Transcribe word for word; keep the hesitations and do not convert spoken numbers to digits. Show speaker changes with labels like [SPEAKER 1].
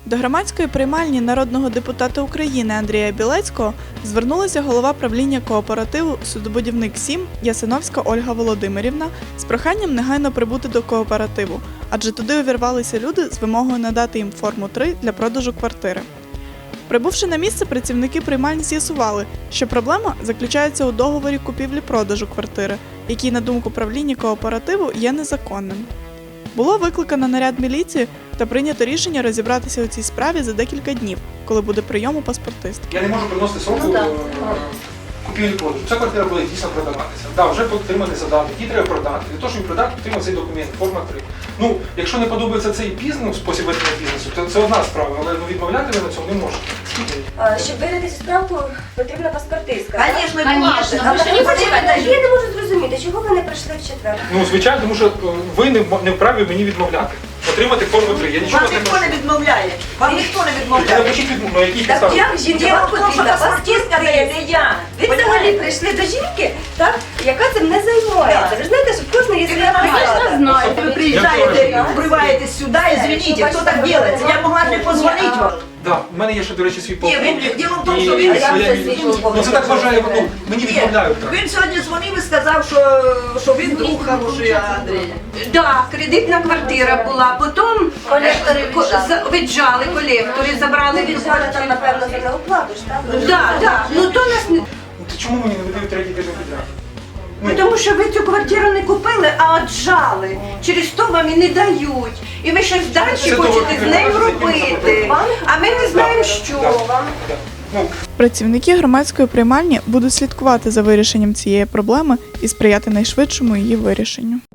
[SPEAKER 1] До громадської приймальні народного депутата України Андрія Білецького звернулася голова правління кооперативу «Судобудівник сім» Ясиновська Ольга Володимирівна з проханням негайно прибути до кооперативу, адже туди увірвалися люди з вимогою надати їм форму три для продажу квартири. Прибувши на місце, працівники приймальні з'ясували, що проблема заключається у договорі купівлі-продажу квартири, який, на думку правління кооперативу, є незаконним. Було викликано наряд міліції та прийнято рішення розібратися у цій справі за декілька днів, коли буде прийом у паспортиста.
[SPEAKER 2] Я не можу приносити сроку
[SPEAKER 3] Ну, да.
[SPEAKER 2] купівлі-продажу. Ця квартира буде дійсно продаватися. Да, вже отриманий задаток, її треба продати. Для того, щоб продати, потрібен цей документ, форма три. Ну, якщо не подобається цей бізнес, спосіб ведення бізнесу, то це одна справа, але ну, відмовляти ви на цьому не можете.
[SPEAKER 3] А, Щоб вирішити цю справку, потрібна паспортистка.
[SPEAKER 4] Конечно,
[SPEAKER 3] Конечно.
[SPEAKER 4] конечно.
[SPEAKER 3] Але почекайте, я не можу зрозуміти, чого ви не прийшли в четвер?
[SPEAKER 2] Ну, звичайно, тому що е, ви не, в- не вправі мені відмовляти. Отримати форму три. Я нічого
[SPEAKER 4] Вам
[SPEAKER 2] не
[SPEAKER 4] ніхто
[SPEAKER 2] прошу.
[SPEAKER 4] не відмовляє. Вам ніхто не
[SPEAKER 2] Ви
[SPEAKER 4] відмовляє.
[SPEAKER 2] напишіть відмову, на якій
[SPEAKER 3] Так
[SPEAKER 2] підставі.
[SPEAKER 3] як жінка
[SPEAKER 4] Діло в тому, що
[SPEAKER 3] потрібна
[SPEAKER 4] паспортистка дає не я.
[SPEAKER 3] Ви взагалі прийшли до жінки, так, яка цим не займається. Ви ж знаєте, що в кожної є своя посада.
[SPEAKER 4] Знаю, ви приїжджаєте, вриваєтесь сюди, извините, хто так робить? Я могла не позвонити вам.
[SPEAKER 2] Да, в мене є ще, до речі, свій
[SPEAKER 4] Ні,
[SPEAKER 2] полковник.
[SPEAKER 4] він, діло в тому,
[SPEAKER 2] І-
[SPEAKER 4] що
[SPEAKER 2] і
[SPEAKER 4] він,
[SPEAKER 2] своя-
[SPEAKER 3] я вже свій полковник.
[SPEAKER 2] Ну це так вважає, ну, мені
[SPEAKER 4] Ні,
[SPEAKER 2] відмовляють так.
[SPEAKER 4] він сьогодні дзвонив і сказав, що, що він друг хороший Андрія.
[SPEAKER 5] Да, кредитна квартира була, потім
[SPEAKER 3] Колектори
[SPEAKER 5] ко-
[SPEAKER 3] віджали.
[SPEAKER 5] за- віджали колектори, забрали від
[SPEAKER 3] Віджали там, напевно, за неоплату ж, так?
[SPEAKER 5] Да, да. Ну то нас не
[SPEAKER 2] Ну, то чому мені не видають третій тиждень підряд?
[SPEAKER 5] Ну, тому що ви цю квартиру не купили, а отжали. Через то вам і не дають. І ви щось далі
[SPEAKER 2] Це того
[SPEAKER 5] хочете з нею
[SPEAKER 2] не
[SPEAKER 5] робити. А ми не знаємо, що.
[SPEAKER 2] Да, да. Ну,
[SPEAKER 1] Працівники громадської приймальні будуть слідкувати за вирішенням цієї проблеми і сприяти найшвидшому її вирішенню.